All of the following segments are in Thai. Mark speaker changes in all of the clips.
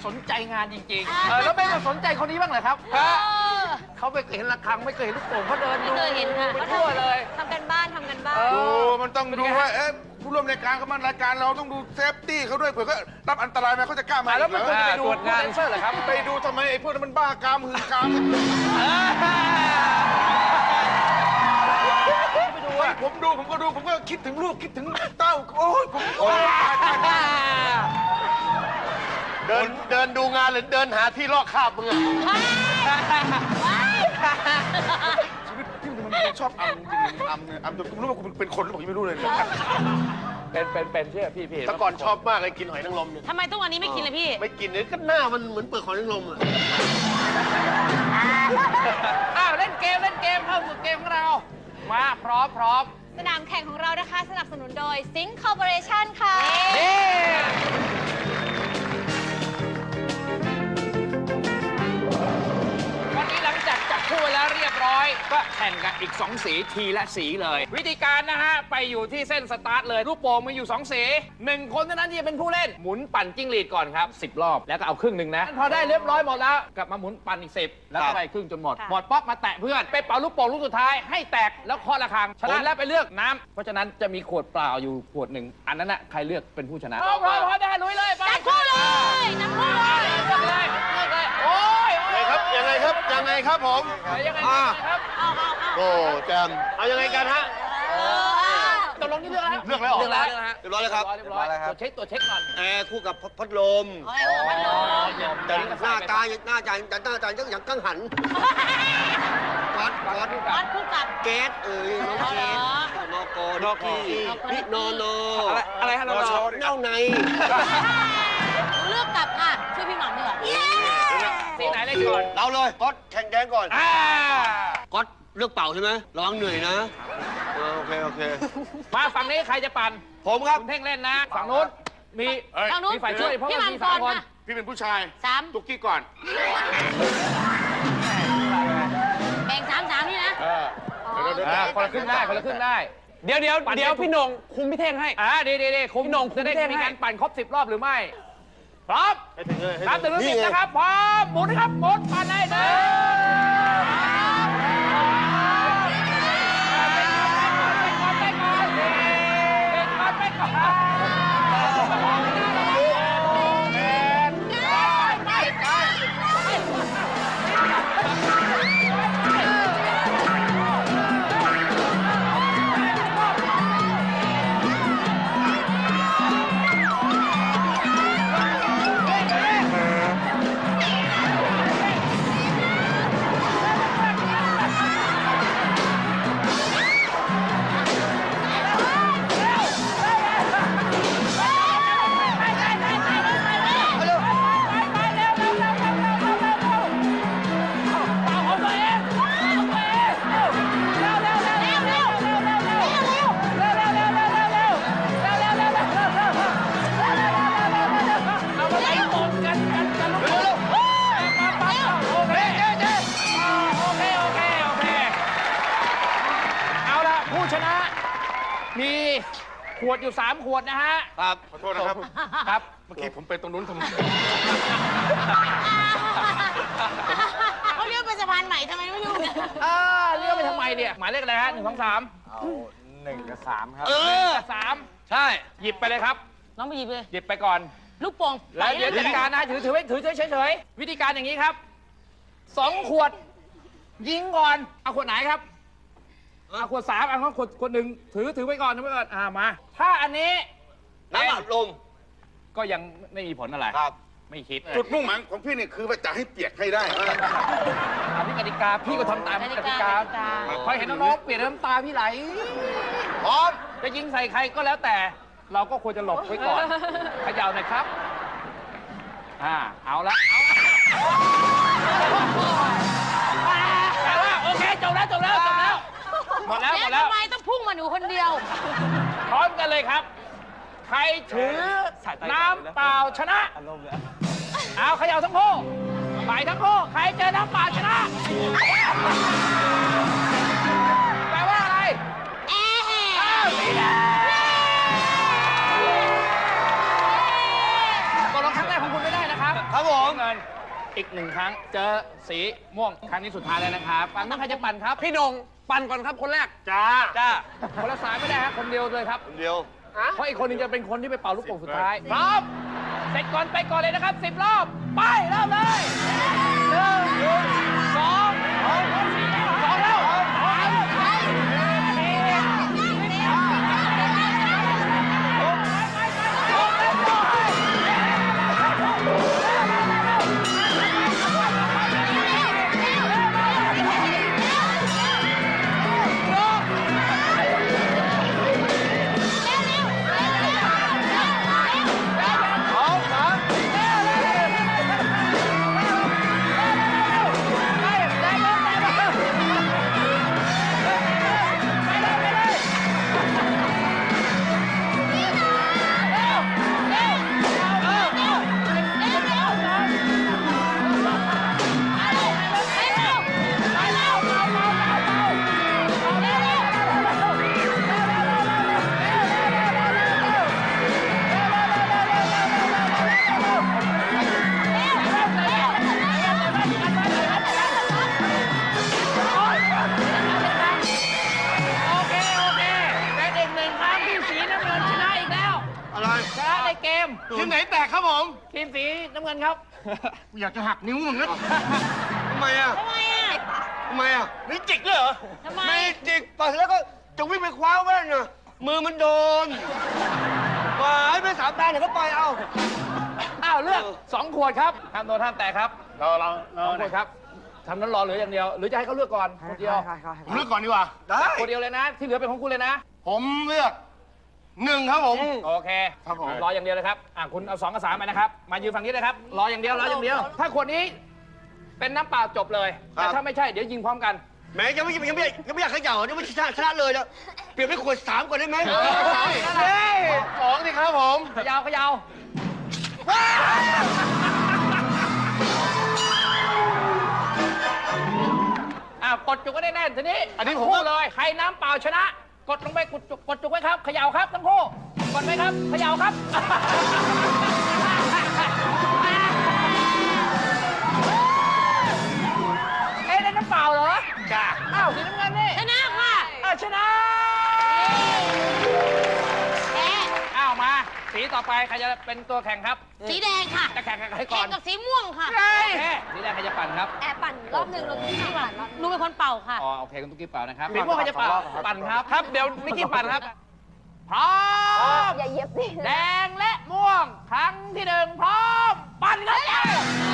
Speaker 1: สนใจงานจริงๆแล้วไม่มาสนใจคนนี้บ้างเหรอครับเขาไม่เคยเห็นระฆังไม่เคยเห็นลูกโป่งเขาเดินดูไปทั่วเลย
Speaker 2: ทำกันบ้าน
Speaker 3: ดูมันต้องดูว่าผู้ร่วมรายการเขามันรายการเราต้องดูเซฟตี้เขาด้วยเผื่อเขารับอันตรายมาเขาจะกล้ามา
Speaker 1: แล้วไม่ควรจะไปดูงานเซอร์เหรอครับ
Speaker 3: ไปดูทำไมไอ้พวกนั้นมันบ้ากามหืนกามผมก็ดูผมก็คิดถึงลูกคิดถึงเต้าโอ้ยผม
Speaker 4: เดินดูงานหรือเดินหาที่ลอกคราบมึงอะ
Speaker 3: ชีวิตที่มันชอบอำจริงอำจนกูไม่รู้ว่ากูเป็นคนหรือเปล่าไม่รู้เลย
Speaker 1: เป็นเชื่อพี่
Speaker 4: แต่ก่อนชอบมากเลยกินหอยนางรมเนี่ย
Speaker 2: ทำไมทุกวันนี้ไม่กินเลยพี่
Speaker 4: ไม่กินเลยก็หน้ามันเหมือนเปลือกหอยนางรมอะ
Speaker 1: เล่นเกมเข้าสู่เกมของเรามาพร้อม
Speaker 2: สนามแข่งของเรานะคะสนับสนุนโดย Sync Corporation ค่ะ
Speaker 1: วันนี้หลังจากจับคู่แล้วเรียบร้อยก็แข่งกันอีก2สีทีละสีเลยวิธีการนะฮะไปอยู่ที่เส้นสตาร์ทเลยลูกโป่งมีอยู่2สี1คนเท่านั้นที่จะเป็นผู้เล่นหมุนปั่นจิ้งหรีดก่อนครับ10 รอบแล้วก็เอาครึ่งหนึ่งนะพอได้เรียบร้อยหมดแล้วกลับมาหมุนปั่นอีก10แล้วก็ไปครึ่งจนหมดป๊อกมาแตะเพื่อนไปเป่าลูกโป่งลูกสุดท้ายให้แตกแล้วเคาะระฆังชนะแล้วไปเลือกน้ำเพราะฉะนั้นจะมีขวดเปล่าอยู่ขวดหนึ่งอันนั้นน่ะใครเลือกเป็นผู้ชนะพอได้ลุยเลยไป
Speaker 2: จัดคู่เลยนักคู่เลย
Speaker 1: เลือกเลยโอ้ย
Speaker 4: ยังไงครับผม
Speaker 1: ยังไงครับ
Speaker 4: โอ้แจมเอายังไงกันฮะ
Speaker 1: ตกลงที่เลือกแล้ว
Speaker 4: เลือกแล้ว
Speaker 1: เรียบร้อย
Speaker 4: แล้วครับ
Speaker 1: เรียบร้อยตัวเช็คก่อน
Speaker 4: แอร์คู่กับพัดลมแต่หน้าตาอย่างกังหันก๊อด
Speaker 2: คู่กับ
Speaker 4: เกสน้องเกสนกพี่นอน
Speaker 1: อะไรฮะนอ
Speaker 4: เน่าใน
Speaker 2: เลือกกับค่ะช่วยพี่หม่ำดีกว่า
Speaker 1: สีไหนเลยก่อน
Speaker 4: เราเลยก๊อดแข่งแดงก่อนก๊อดเลือกเป่าใช่ไหมระวังเหนื่อยนะโอเค
Speaker 1: มาฝั่งนี้ใครจะปั่น
Speaker 4: ผมครับ
Speaker 1: คุณเท่งเล่นนะฝั่งนู้นมีฝ่ายช่วยเพราะว่ามี3 คน
Speaker 3: พี่เป็นผู้ชายตุ๊กกี้ก่อน
Speaker 2: แบ่ง3นี่นะ
Speaker 1: คนละครึ่งได้เดี๋ยวพี่นงคุมพี่เท่งให้ดีคุมพี่นงจะได้มีการปั่นครบ10 รอบหรือไม่พร้อมนับถึง10นะครับพร้อมหมุนนะครับหมุนปั่นได้เลยมีขวดอยู่3 ขวดนะฮะ
Speaker 4: ครับ
Speaker 3: ขอโทษนะครับ
Speaker 1: ครับ
Speaker 3: เมื่อกี้ผมไปตรงนู้นทำไม
Speaker 2: เขาเรียกเป็นสะพานใหม่ทำไมไม่รู้เนี่ย
Speaker 1: เรียกไปทำไมเนี่ยหมายเลขอะไรฮะ1 2 3
Speaker 5: เอา1 กับ 3ครับ
Speaker 1: 3ใช่หยิบไปเลยครับ
Speaker 2: น้องไปหยิบเลย
Speaker 1: หยิบไปก่อน
Speaker 2: ลูกโป่ง
Speaker 1: แล้วเดี๋ยวจัดการนะถือเฉยวิธีการอย่างนี้ครับ2 ขวดยิงก่อนเอาขวดไหนครับขวด3เอาขวด1ถือไว้ก่อนมาถ้าอันนี้
Speaker 4: น้ำอัดลม
Speaker 1: ก็ยังไม่มีผลอะไร
Speaker 4: ครับ
Speaker 1: ไม่คิด
Speaker 3: จุดมุ่งหมายของพี่เนี่ยคือว่าจะให้เปียกให้ได้
Speaker 1: พี่กติกาพี่ก็ทำตามกติกาพอเห็นน้องๆเปลี่ยนน้ำตาพี่ไหล
Speaker 4: พร้อม
Speaker 1: จะยิงใส่ใครก็แล้วแต่เราก็ควรจะหลบไว้ก่อนเขย่าหน่อยครับเอาละแต่ว่าโอเคจบแล้วหมดแล้ว
Speaker 2: ทำไมต้องพุ่งมาหนูคนเดียว
Speaker 1: พร้อมกันเลยครับใครถือน้ำเปล่าชนะเอาเขย่าทั้งคู่ไปทั้งคู่ใครเจอน้ำเปล่าชนะแปลว่าอะไรสีแดงตกลงครั้งแรกของคุณไม่ได้นะครับ
Speaker 4: ครับผม
Speaker 1: อีกหนึ่งครั้ง เจอสีม่วงครั้งนี้สุดท้ายแล้วนะครับฝั่งนู้นใครจะปั่นครับ พี่โดงปั่นก่อนครับคนแรก จ้าคนละสายไม่ได้ฮะคนเดียวเลยครับ
Speaker 4: เดียว
Speaker 1: เพราะอีกคนหนึงจะเป็นคนที่ไปเป่าลูกโป่งสุดท้ายพร้อมเสร็จก่อนไปก่อนเลยนะครับ10 รอบ ไปเริ่มเลย1 2 2แล้วโอเคเป็นอีกหนึ่งครั้งที่สีน้ำเงินชนะอีกแล้ว
Speaker 4: อะไร
Speaker 1: ชนะในเกม
Speaker 3: ทีมไหนแตกครับผม
Speaker 1: ทีมสีน้ำเงินครับ
Speaker 3: อยากจะหักนิ้วมึงนะ
Speaker 4: ทำไมอ่ะ
Speaker 2: ทำไมอ่ะ
Speaker 4: ทำไมอ่ะ
Speaker 3: นี่จิกด้วยเหรอ
Speaker 2: ทำไม
Speaker 4: ไม่จิกไปแล้วก็จะวิ่งไปคว้าแว่นน่ะมือมันโดนหวายไป3 แบนเดี๋ยวก็ไปเอา
Speaker 1: อ้าวเลือก2 ขวดครับห้ามโดนห้ามแตะครับ2 ขวดครับทำนั้นรอเหลืออย่างเดียว หรือจะให้เขาเลือกก่อนคนเดียว
Speaker 3: ผมเลือกก่อนดีกว่า
Speaker 4: ได้
Speaker 1: คนเดียวเลยนะ ที่เหลือเป็นของคุณเลยนะ
Speaker 3: ผมเลือก1ครับผม
Speaker 1: โอเค
Speaker 3: ครับผม
Speaker 1: รออย่างเดียวเลยครับคุณเอา2 กับ 3ไปนะครับ มายืนฝั่งนี้เลยครับ รออย่างเดียว ถ้าขวดนี้เป็นน้ำเปล่าจบเลย แต่ถ้าไม่ใช่เดี๋ยวยิงพร้อมกัน
Speaker 4: แหม้ยังไม่อยากเขย่ายังไม่ชนะเลยแล้วเปลี่ยนเป็นขวด3ก่อนได้ไหม
Speaker 3: เฮ้ย2สิครับผม
Speaker 1: เขยาวกดจุกก็ได้แน่นทีนี้
Speaker 3: อันนี้ผม
Speaker 1: คู่เลย ใครน้ำเปล่าชนะ กดลงไปกดจุกไว้ครับเขย่าครับทั้งคู่กดไว้ครับเขย่าครับ ได้น้ำเปล่าเหรอ
Speaker 3: จ้า
Speaker 1: อ้าวสีน้ำเงินนี่
Speaker 2: ชนะค่ะ
Speaker 1: ชนะ
Speaker 2: แพ้
Speaker 1: อ้าวมาสีต่อไปใครจะเป็นตัวแข่งครับ
Speaker 2: สีแดงค่ะ
Speaker 1: จะแข่งกับใครก่
Speaker 2: แข่
Speaker 1: อง น
Speaker 2: กับสีม่วงค่ะ
Speaker 1: โอเคสีแดงใครจะปั่นครับ
Speaker 6: แอบปั่นรอบหนึ่งเราที่ปั่นรอบ
Speaker 2: หนูเป็นคนเป่าค่ะ
Speaker 1: อ๋อโอเคคุณตุ๊กกี้เป่านะครับสีม่วงใครจะเป่าปั่นครับครับเดี๋ยวนิกกี้ปั่นครับพร้อม
Speaker 6: อย่าเย็บดิ
Speaker 1: แดงและม่วงครั้งที่1พร้อมปั่นครับ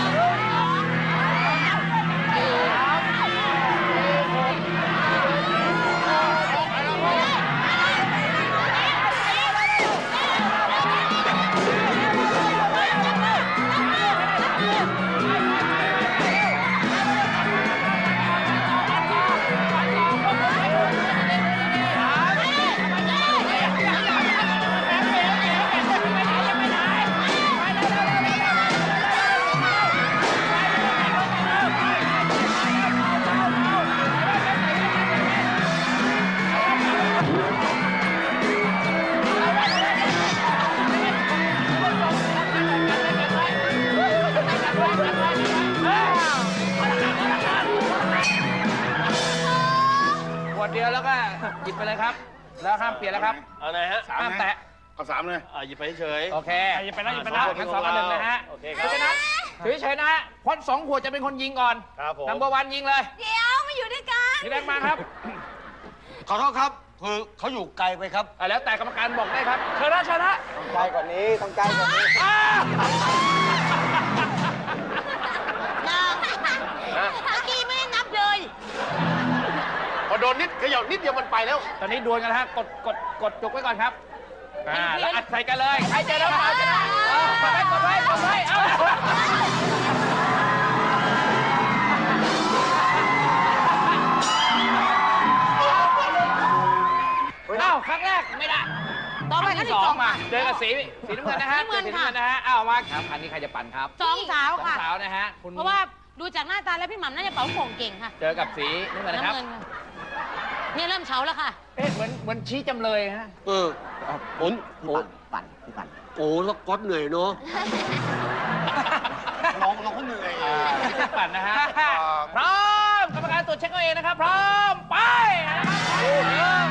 Speaker 1: ขวดเดียวแล้วก็หยิบไปเลยครับ แล้วห้ามเปลี่ยนแล้วครับ
Speaker 7: เอาไหนฮะ
Speaker 1: ห้ามแตะ
Speaker 3: เอา3เลย
Speaker 7: หยิบไปเฉย
Speaker 1: โอเคหยิบไปแล้วทั้ง2 กับ 1นะฮะ
Speaker 7: โอเคค
Speaker 1: เพ
Speaker 7: รับ
Speaker 1: ราะฉะนั้นถือเฉยๆนะฮะเพราะ2 ขวดจะเป็นคนยิงก่อน
Speaker 7: ครับผม
Speaker 1: นัมเบอร์วันยิงเลย
Speaker 6: เดี๋ยวมาอยู่ด้วยกัน
Speaker 1: สีแดงมาครับ
Speaker 4: ขอโทษครับคือเขาอยู่ไกลไปครับ
Speaker 1: แล้วแต่กรรมการบอกได้ครับเชิญนะ
Speaker 5: ต้องใกล้กว่านี้ ต้องใกล้กว่านี้
Speaker 1: อ้าว
Speaker 2: เมื่อกี้ไม่ได้นับเลย
Speaker 3: พอโดนนิดเขย่านิดเดียวมันไปแล้ว
Speaker 1: ตอนนี้ดวลกันนะฮะกดจุกไว้ก่อนครับแล้วอัดใส่กันเลยใครเจอแล้วมาชนะกดไว้เอาอ้าวครั้งแรกไม่ได้
Speaker 2: ต่อไปครั้งที่
Speaker 1: 2
Speaker 2: 2
Speaker 1: มา
Speaker 2: ค่ะ
Speaker 1: เจอกับสีน้ำเงินนะฮะ
Speaker 2: น้ำเงิน
Speaker 1: สี
Speaker 2: ค่ะ
Speaker 1: น้ำเงินนะฮะอ้าวมาครับอันนี้ใครจะปั่นครับ
Speaker 2: 2 สาว
Speaker 1: สอง
Speaker 2: ค่ะ
Speaker 1: สาวนะฮะคุณ
Speaker 2: เพราะว่าดูจากหน้าตาแล้วพี่หม่ำน่าจะเป่าโป่งเก่งค่ะ
Speaker 1: เจอกับสีน้ำเงินนะครับ
Speaker 2: น้ำเงินค่ะเนี่ยเริ่มเฉาแล้วค่ะ
Speaker 1: เหมือนชี้จำเลยฮะ
Speaker 4: หมุนโอ้แล้วก๊อตเหนื่อยเนาะ
Speaker 5: น้อง
Speaker 4: เขาเหนื่อย
Speaker 1: พี่เต้นปั่นนะฮะ พร้อมกรรมการตรวจเช็คเอาเองนะครับ พร้อม ไปนะครับ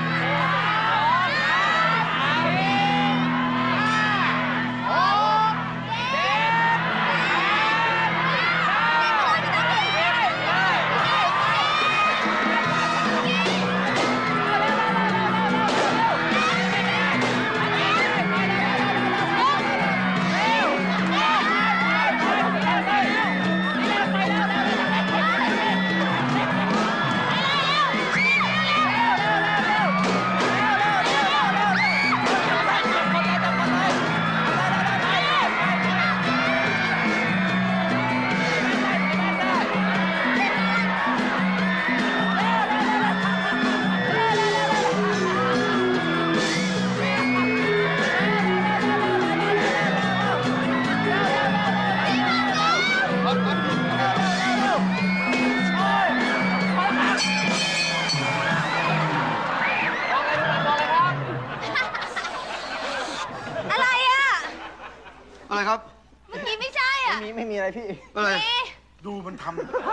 Speaker 6: อะไรอ่ะ
Speaker 4: อะไรครับ
Speaker 6: เมื่อกี้ไม่ใช่อ่ะ
Speaker 5: ไม่มีอะไรพี่
Speaker 4: อะไร
Speaker 3: ดูมันท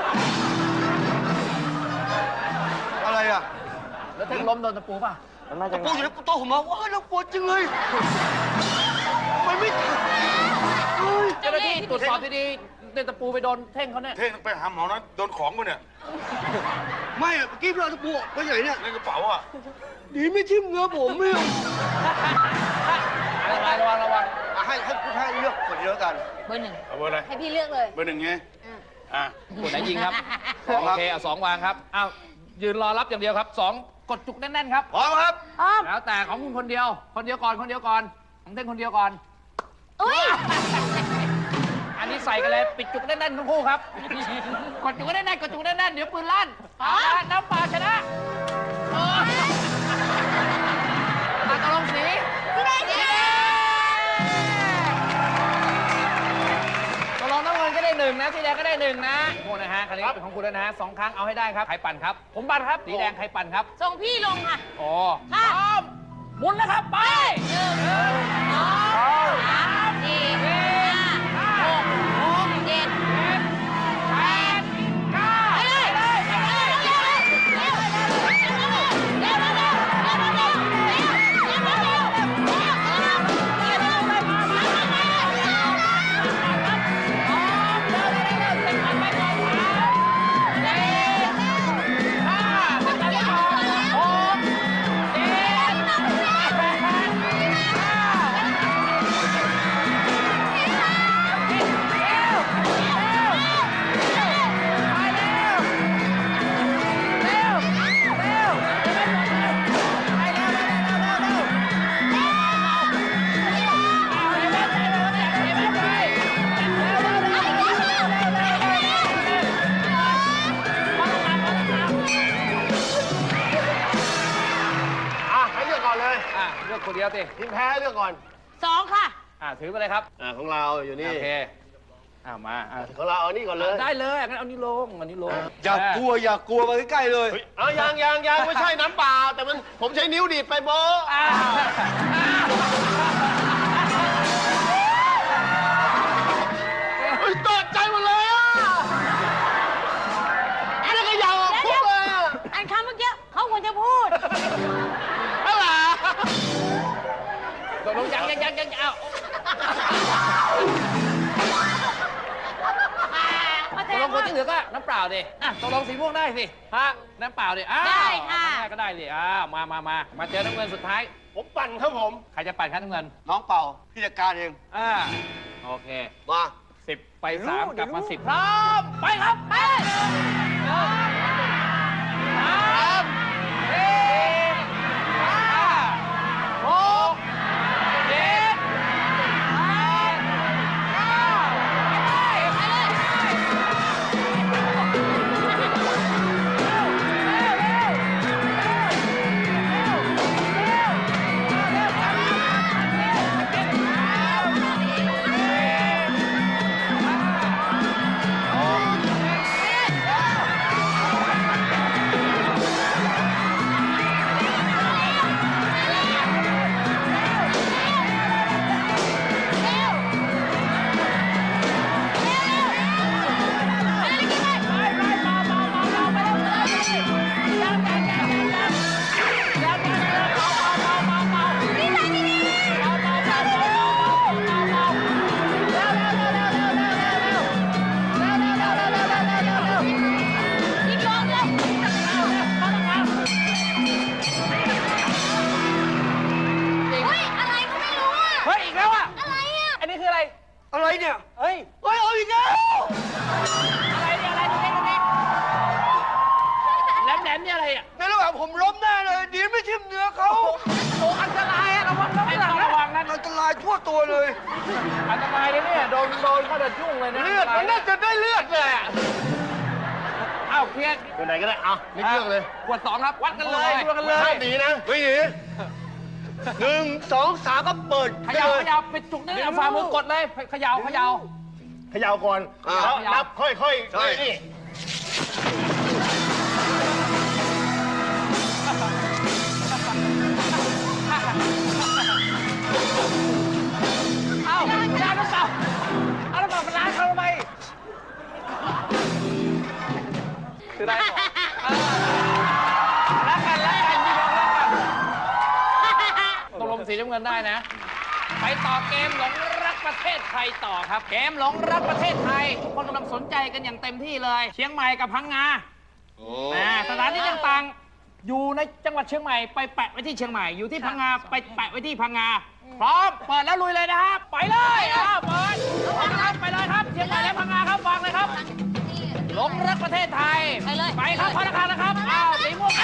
Speaker 4: อะไรอ่ะ
Speaker 1: แล้วถึงล้มโดนตะปูป่ะ
Speaker 5: มันมาจากไหน
Speaker 4: ปูอยู่ในโต๊ะผมมาว้าวเราปวดจังเลยมันไม่
Speaker 1: เจ้าหน้าที่ตรวจสอบดีๆเดินตะปูไปโดนเท่งเขาเนี่ย
Speaker 3: ำเท่งไปหาหมอนะโดนของมาเนี่ย
Speaker 4: ไม่อะเมื่อกี้เราตะปูไปไหนเนี่ย
Speaker 3: ในกระเป๋าอ่ะ
Speaker 4: ดีไม่ทิ่มเนื้อผมไม่เอา
Speaker 1: ระวังระวัง
Speaker 4: ให้เลือกคนเดียวกัน
Speaker 2: เบอร์หนึ่ง
Speaker 3: เอาเบอร์อะไร
Speaker 6: ให้พี่เลือกเลย
Speaker 3: เบอร์หนึ่งไงอ่ะ
Speaker 1: คนไหนยิงครับ โอเคเอา2วางครับอ้าวยืนรอรับอย่างเดียวครับ2กดจุกแน่นๆครับ
Speaker 4: พร้อมครับ
Speaker 6: อ้อม
Speaker 1: แล้วแต่ของคุณคนเดียวก่อนของเต้นคนเดียวก่อน
Speaker 6: อุ้ย
Speaker 1: อันนี้ใส่กันเลยปิดจุกแน่นๆทั้งคู่ครับ กดจุกแน่นๆเดี๋ยวปืนลั่นเอาละน้ำป่าชนะตกลงสี
Speaker 6: พี่แดงสีแดง
Speaker 1: ตกลงน้ำเงินก็ได้1นะสีแดงก็ได้1นะโอ้นะฮะคราวนี้เป็นของคุณแล้วนะฮะ2ครั้งเอาให้ได้ครับใครปั่นครับผมปั่นครับสีแดงใครปั่นครับ
Speaker 2: ส่งพี่ลงค่ะ
Speaker 1: อ๋อพร้อมหมุนแล้วครับ ไป
Speaker 2: 1 2 3 4 5 6 7
Speaker 1: 8 9
Speaker 2: ไปเลย
Speaker 4: ให้เลือกก่อนเลย
Speaker 1: เลือกคนเดียวสิ
Speaker 4: ทีมแพ้เลือกก่อน
Speaker 2: 2 ค่ะ
Speaker 1: ถือไปเลยครับ
Speaker 4: ของเราอยู่นี่
Speaker 1: โอเคมา
Speaker 4: ของเราเอานี่ก่อนเลย
Speaker 1: ได้เลยงั้นเอานี้ลง
Speaker 4: อย่ากลัวมาใกล้ๆเลยยังไม่ใช่น้ำเปล่าแต่มันผมใช้นิ้วดีดไปโบตกใจหมดเลยอ่ะอันนี้ก็ยาวคุกเลยอ่ะ
Speaker 2: อันคำเมื่อกี้เขาควรจะพูด
Speaker 4: อะไร
Speaker 1: ตกลงยังเอา ตกลงคนที่เหลือก็น้ำเปล่าดิตกลงสีม่วงได้สิฮะน้ำเปล่าดิ
Speaker 2: ได้ค่ะ
Speaker 1: ก็ได้ดิมาเจอน้ำเงินสุดท้าย
Speaker 4: ผมปั่นครับผม
Speaker 1: ใครจะปั่นครับน้ำเงิน
Speaker 4: น้องเป่าพี่จัดการเอง
Speaker 1: โอเค
Speaker 4: มา
Speaker 1: 10 ไป 3 กลับมา 10 พร้อม ไปครับ ไป
Speaker 4: อะไรเนี่ย
Speaker 5: เฮ้ย
Speaker 4: เฮ้ยเอาอีกแล้ว
Speaker 1: อะไรเนี่ยอะไรดูนี่ดูนี่แหลมๆนี่อะไรอ่ะ
Speaker 4: ในระหว่างผมล้มแน่เลยดีไม่ทิ่มเนื้อเขา
Speaker 1: โอ้อันตรายอะระวังนะไม่ต้องระวังนะ
Speaker 4: อันตรายทั่วตัวเลย
Speaker 1: อันตรายเลยเนี่ยโดนเขาจะยุ่งเลยนะ
Speaker 3: เลือดมันน่าจะได้เลือดแหละ
Speaker 1: อ้าวเพียร
Speaker 3: ตัวไหนก็ได้เอานี่เลือกเลย
Speaker 1: ขวด2ครับวัดกันเลยวัดกันเลย
Speaker 3: ห้ามหนีนะไม่หนี
Speaker 4: 1 2 3ก็เปิด
Speaker 1: เขย่าเขย่าปิดจุกนี่เอาฝ่ามือกดเลยเขย่าเขย่า
Speaker 3: เขย่าก่อน
Speaker 4: อ่า
Speaker 3: แล้วนับค่อยๆ
Speaker 4: ใช่
Speaker 3: นี่
Speaker 1: เอ้าจานน้ำเปล่าเอาน้ำเปล่ามาล้างเขาทำไมคือได้ก่อนรักกันพี่น้องรักกันตกลงสีน้ำเงินได้นะ ไปต่อเกมหลงรักประเทศไทยต่อครับ เกมหลงรักประเทศไทยทุกคนกำลังสนใจกันอย่างเต็มที่เลย เชียงใหม่กับพังงาสถานที่ต่างๆอยู่ในจังหวัดเชียงใหม่ไปแปะไว้ที่เชียงใหม่อยู่ที่พังงาไปแปะไว้ที่พังงาพร้อมเปิดแล้วลุยเลยนะครับไปเลยเปิดครับไปเลยครับเชียงใหม่และพังงาครับวางเลยครับหลงรักประเทศไทยไปครับพนักงานนะครับอ้าวสีม่วง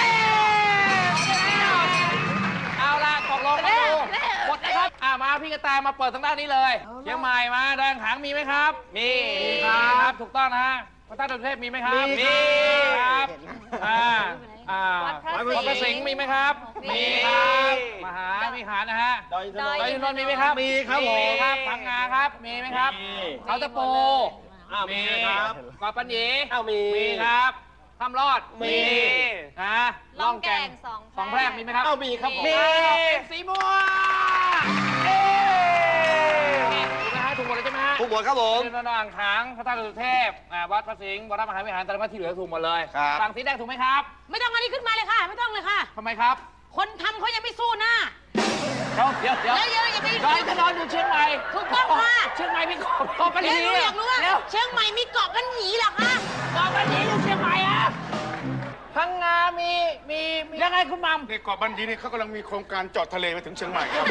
Speaker 1: เอาละตกลงมาดูกดนะครับมาพี่กระแตมาเปิดทางด้านนี้เลยเชียงใหม่มาแดงหางมีไหมครับมีครับถูกต้องนะฮะพระธาตุดอยสุเทพมีไหมครับมีครับวัดพระสิงห์มีไหมครับมีครับมหาวิหารนะฮะดอยอินทนนท์มีไหมครับมีครับผมครับพังงาครับมีไหมครับเขาตะปูมีครับเกาะปัญญีมีครับถ้ำรอดมีนะล่องแก่งสองแพรกมีไหมครับมีครับมีสีม่วงถูกไหมฮะถูกหมดเลยใช่ไหมฮะ
Speaker 4: ทุกหมดครับผม
Speaker 1: เป็นอ่างขางพระธาตุดอยสุเทพวัดพระสิงห์วรมหาวิหารแต่ละวัดที่เหลือถูกหมดเลย
Speaker 4: ครับ
Speaker 1: ฝั่งสีแดงถูกไหมครับ
Speaker 2: ไม่ต้องอันนี้ขึ้นมาเลยค่ะ ไม่ต้องเลยค่ะ
Speaker 1: ทำไมครับ
Speaker 2: คนทำเขายังไม่สู้หน้า
Speaker 1: เดี๋ยว
Speaker 2: เดี๋ยวอย่าไป
Speaker 1: ดอยถนนอยู่เชียงใหม่
Speaker 2: ถูกต้องค่ะ
Speaker 1: เชียงใหม่มีเกาะปัญ
Speaker 2: เดี๋ยว
Speaker 1: ญี
Speaker 2: หนูอยากรู้ว่า
Speaker 1: เดี๋ยว
Speaker 2: เชียงใหม่มีเกาะกันหนีเหรอคะ
Speaker 1: เกาะปัญญีอยู่เชียงใหม่อะพังงามียังไงคุณมัม
Speaker 3: ในเกาะบันดีนี่เขากำลังมีโครงการเจาะทะเลมาถึงเชียงใหม่ครับ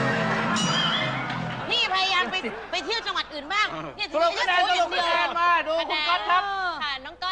Speaker 2: พี่พยายามไปเที่ยวจังหวัดอื่นบ้างเนี่ย
Speaker 1: สรุปคะแนนสรุปคะแนนมาดูคุณก๊อตครับ
Speaker 6: ค่ะ น้องก๊อต